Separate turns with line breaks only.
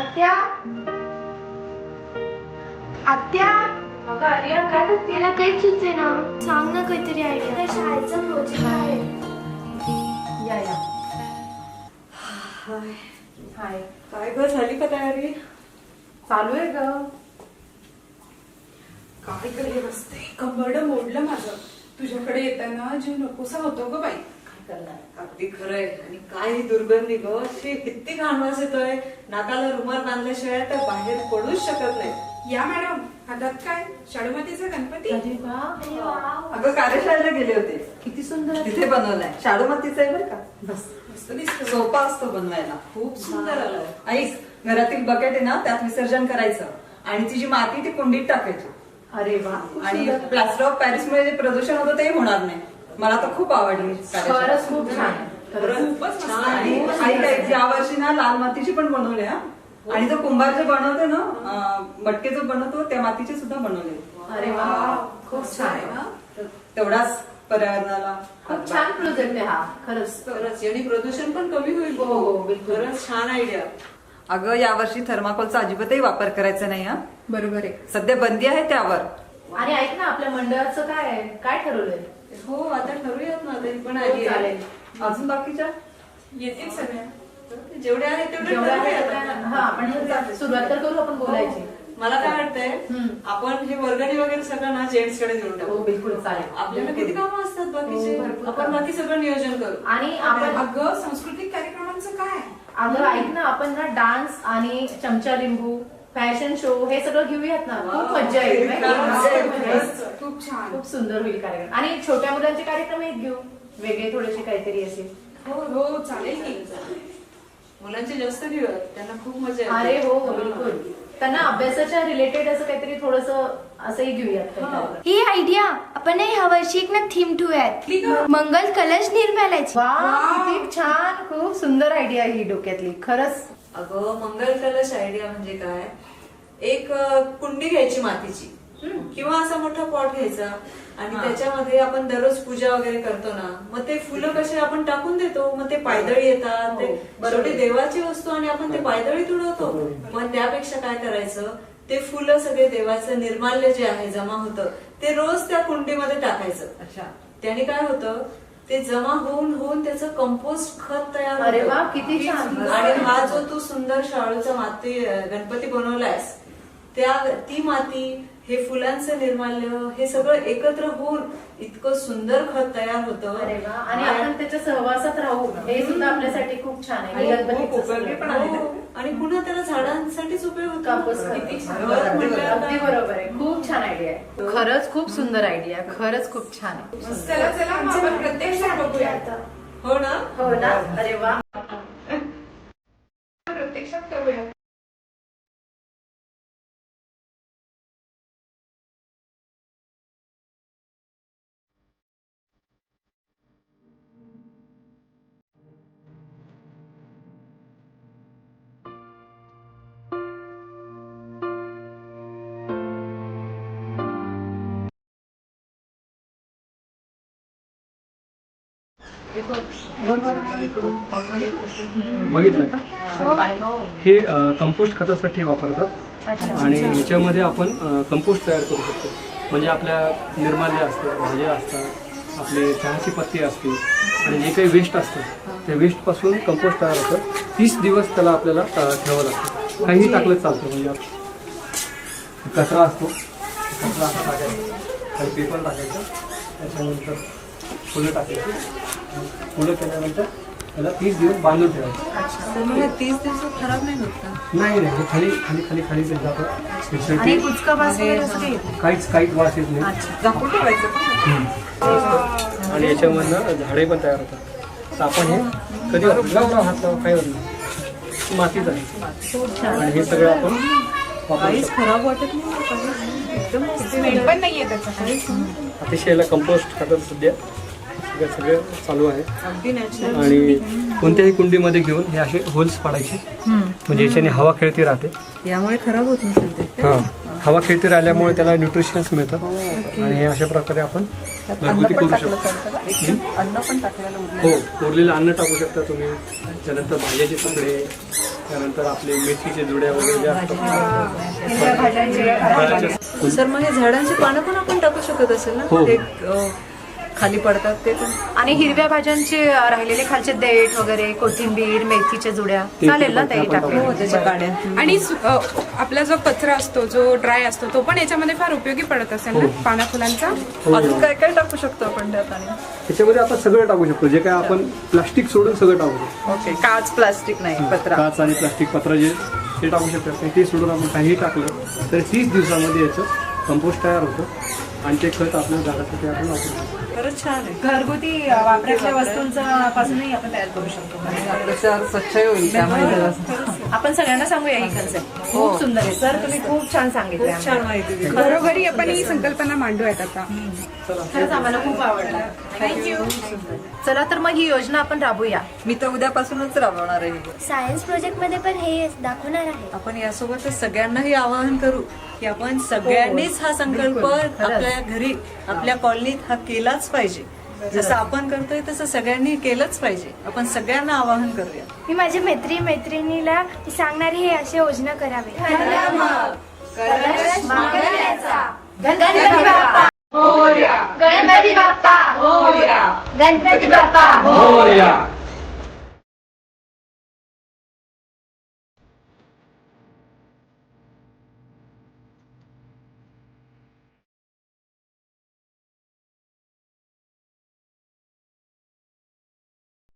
आत्या आत्या
अगं आर्या काय करते?
मला काहीच सुचते ना. सांग ना काहीतरी आयडिया. शाळेचा प्रोजेक्ट आहे.
या
हाय
हाय
काय ग झाली का तयारी?
चालू आहे ग.
काय ग हे रस्ते कंबरड मोडलं माझं. तुझ्याकडे येताना जीव नकोसा होतो ग बाई.
काय करणार?
अगदी खरंय. आणि काय ही दुर्गंधी ग, अशी किती घाणवास येतोय. नाकाला रुमाल बांधल्याशिवाय तर बाहेर पडूच शकत नाही.
या मॅडम, हातात काय शाडूमातीचा गणपती?
अरे वा,
अगं कार्यशाळेला गेले होते,
किती सुंदर.
तिथे बनवलाय. शाडूमातीचा आहे बरं का.
बस
मस्त दिसतो.
सोपा असतो बनवायला. खूप सुंदर आलाय. ऐक, घरातील बकेट आहे ना, त्यात विसर्जन करायचं आणि ती जी माती ती कुंडीत टाकायची.
अरे वा, खूप
आणि
सुंदर.
प्लास्टर ऑफ पॅरिस मुळे जे प्रदूषण होतं ते होणार नाही. मला तर खूप आवडली कार्यशाळा.
खरंच खूप छान आहे. खरंच.
खूपच मस्त
छान.
आहे.
आणि ऐक, या वर्षी ना लाल मातीची पण बनवली हा. आणि जो कुंभार जे बनवते ना, मटके जो बनवतो त्या मातीचे सुद्धा बनवले.
अरे वा, खूप
मस्त
छान
आहे
आहे.
ना?
तर तेवढाच पर्यावरणाला
खूप छान प्रोजेक्ट आहे हा. खरंच.
खरंच. आणि प्रदूषण पण कमी होईल.
हो, हो, बिलकुल.
खरंच छान आयडिया. अगं यावर्षी थर्माकोलचा अजिबातही वापर करायचा नाही हा.
बरोबर आहे.
सध्या बंदी आहे त्यावर.
आणि ऐक ना, आपल्या मंडळाचं काय काय ठरवलंय?
हो, आता ठरूयात ना. तरी पण
हो,
आली आहे.
चालेल.
अजून बाकीच्या
येतील सगळ्या.
जेवढे आहेत तेवढे
जेवढं आहे
ठरवूयात
तेवढं-
आता.
हा, आपण सुरुवात तर करू आपण बोलायची.
मला काय वाटतंय, आपण हे वर्गणी वगैरे सगळं ना जेंट्स कडे देऊन
हो,
टाकू.
बिलकुल चालेल.
आपल्याला किती कामं असतात बाकीचे.
हो, भरपूर
आपण
कामं.
बाकी सगळं नियोजन करू.
आणि आपण
अगं सांस्कृतिक कार्यक्रमांचं काय?
अगं ऐक ना, आपण ना डान्स आणि चमचा लिंबू फॅशन शो हे सगळं घेऊयात ना. खूप मज्जा येईल माहिती आहे का?
मज्जा येईल.
मजा येईल.
खूप छान.
खूप सुंदर होईल कार्यक्रम. आणि छोट्या मुलांचे कार्यक्रम एक घेऊ, वेगळे थोडेसे काहीतरी असेल.
हो चालेल की.
मुलांचे जास्त घेऊयात, त्यांना खूप मजा येते.
अरे हो, बिलकुल. त्यांना अभ्यासाच्या रिलेटेड असं काहीतरी थोडस असंही घेऊयात काही कार्यक्रम.
ही आयडिया आपण ह्या वर्षी एक ना थीम ठेवूयात. मंगल कलश निर्मालायची.
वा, किती छान. खूप सुंदर आयडिया ही डोक्यातली. खरंच.
अगं मंगल कलश आयडिया म्हणजे काय, एक कुंडी घ्यायची मातीची किंवा असा मोठा पॉट घ्यायचा आणि त्याच्यामध्ये आपण दररोज पूजा वगैरे करतो ना, मग ते फुलं कसे आपण टाकून देतो, मग ते पायदळी येतात. ते शेवटी देवाची वस्तू आणि आपण ते पायदळी तुडवतो. मग त्यापेक्षा काय करायचं, ते फुलं सगळे देवाचं निर्माल्य जे आहे जमा होतं ते रोज त्या कुंडीमध्ये टाकायचं. अच्छा, त्याने काय होतं, ते जमा होऊन होऊन त्याचं कंपोस्ट खत तयार होतं.
अरे वा, किती छान.
आणि हा जो तू सुंदर शाळूचा माती गणपती बनवलायस, ती माती, हे फुलांचं निर्माल्य, हे सगळं एकत्र होऊन इतकं सुंदर खत तयार होतं.
अरे वा. आणि आपण त्याच्या सहवासात राहू, हे सुद्धा आपल्यासाठी खूप छान आहे.
आणि
गणपतीचं
खूप उपयोगी पण आहे.
हो.
आणि पुन्हा त्याला झाडांसाठीच उपयोग होतो.
कापूस खत.
किती छान.
अगदी बरोबर आहे. खूप छान आयडिया आहे. खरंच खूप सुंदर आयडिया. खरंच खूप छान आहे.
चला चला मग आपण प्रत्यक्षात बघूया आता.
हो ना.
हो ना. अरे वा.
प्रत्यक्षात करूया.
बघितलं का? हे कंपोस्ट खतासाठी वापरतात आणि ह्याच्यामध्ये आपण कंपोस्ट तयार करू शकतो. म्हणजे आपल्या निर्माल्य असतं, भाज्या असतात, आपले चहाची पत्ती असते आणि जे काही वेस्ट असतं त्या वेस्टपासून कंपोस्ट तयार होतं. 30 दिवस त्याला आपल्याला ठेवावं लागतं. काहीही टाकलं चालतं. म्हणजे कचरा असतो, कचरा असा टाकायचा, काही पेपर टाकायचा, त्याच्यानंतर फुलं टाकायची. फुलं केल्यानंतर त्याला 30 दिवस बांधून ठेवायचं.
तर मग 30 दिवसात खराब नाही होत का?
नाही नाही, खाली खाली खाली खाली ते जातं.
आणि कुचका वास वगैरे असं काही येत नाही.
काहीच वास येत नाही.
झाकून ठेवायचं का?
आणि याच्यामधनं झाडे पण तयार होतात. तर आपण हे कधी लावला हात लावा, काही होत नाही. मातीच आहे आणि हे सगळं आपण वापरू
काहीच
शकतो.
खराब वाटत नाही. एकदम
स्मेल पण नाहीये त्याचा काहीच.
अतिशय याला कंपोस्ट खतात सध्या सगळं चालू आहे.
अगदी नॅचरल.
आणि कोणत्याही कुंडीमध्ये घेऊन हे असे होल्स पाडायचे, म्हणजे याच्याने हवा खेळती राहते.
यामुळे खराब होत नसेल ते.
हां, हवा खेळती राहिल्यामुळे त्याला न्यूट्रिशन्स मिळतात. आणि हे अशा प्रकारे आपण घरगुती करू शकतो.
अन्न पण टाकलेलं
हो, उरलेलं अन्न टाकू शकता तुम्ही. त्यानंतर भाज्याचे तुकडे, त्यानंतर आपले मेथीचे जुड्या वगैरे जे असतात
हिरव्या भाज्यांचे
फळाचे-
सर मग हे झाडांची पानं पण आपण टाकू शकत असेल ना
हो.
ते खाली पडतात ते पण
आणि हिरव्या भाज्यांचे राहिलेले खालचे देठ वगैरे कोथिंबीर मेथीच्या जुड्या
ते
चालेल ना
पण
ताई
आपण
टाकले
टाकू.
त्याच्या काड्या
आणि आपला जो कचरा असतो जो ड्राय असतो तो पण याच्यामध्ये फार उपयोगी पडत असेल ना पाना फुलांचा.
हो.
अजून काय काय टाकू शकतो आपण त्यात आणि
त्याच्यामध्ये आपण सगळं टाकू शकतो जे काय आपण प्लास्टिक सोडून सगळं टाकू शकतो.
ओके काच प्लास्टिक नाही पत्रा
काच आणि प्लास्टिक पत्र जे ते टाकू शकतात ते सोडून आपण काही टाकलं तर 30 दिवसामध्ये याचं कंपोस्ट तयार होतं आणि ते खत आपल्या झाडासाठी आपण वापरू शकतो.
खरंच छान आहे
घरगुती वापरातल्या वस्तूंचा पासूनही आपण तयार करू शकतो
आपलं शहर स्वच्छ होईल त्यामुळे
आपण सगळ्यांना सांगूया ही कन्सेप्ट खूप सुंदर आहे सर तुम्ही खूप छान सांगितलं
खूप छान माहिती दिली
घरोघरी आपण ही संकल्पना मांडूयात आता.
खरंच आम्हाला खूप आवडलं थँक्यू. चला तर मग ही योजना आपण राबूया.
मी तर उद्यापासूनच राबवणार आहे
सायन्स प्रोजेक्ट मध्ये पण हे दाखवणार आहे.
आपण यासोबतच सगळ्यांनाही आवाहन करू की आपण सगळ्यांनीच हा संकल्प आपल्या घरी आपल्या कॉलनीत हा केलाच पाहिजे. जसं आपण करतोय तसं सगळ्यांनी केलंच पाहिजे. आपण सगळ्यांना आवाहन करूया.
मी माझ्या मैत्रिणीला सांगणार हे अशी योजना करावी. गणपती बाप्पा
मोरया.